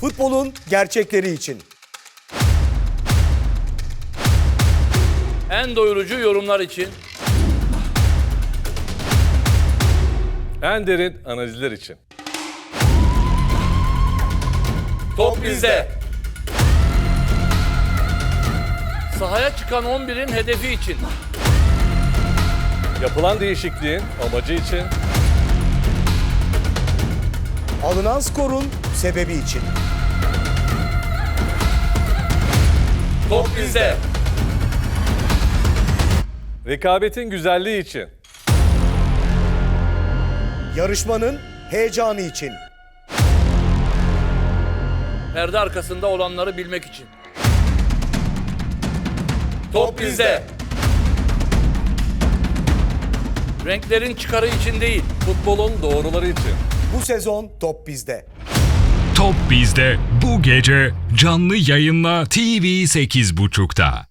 Futbolun gerçekleri için. En doyurucu yorumlar için. En derin analizler için. Top bizde. Sahaya çıkan 11'in hedefi için. Yapılan değişikliğin amacı için. Alınan skorun sebebi için. Top bizde. Rekabetin güzelliği için. Yarışmanın heyecanı için. Perde arkasında olanları bilmek için. Top bizde. Renklerin çıkarı için değil. Futbolun doğruları için. Bu sezon top bizde. Top bizde bu gece canlı yayınla TV 8.30'da.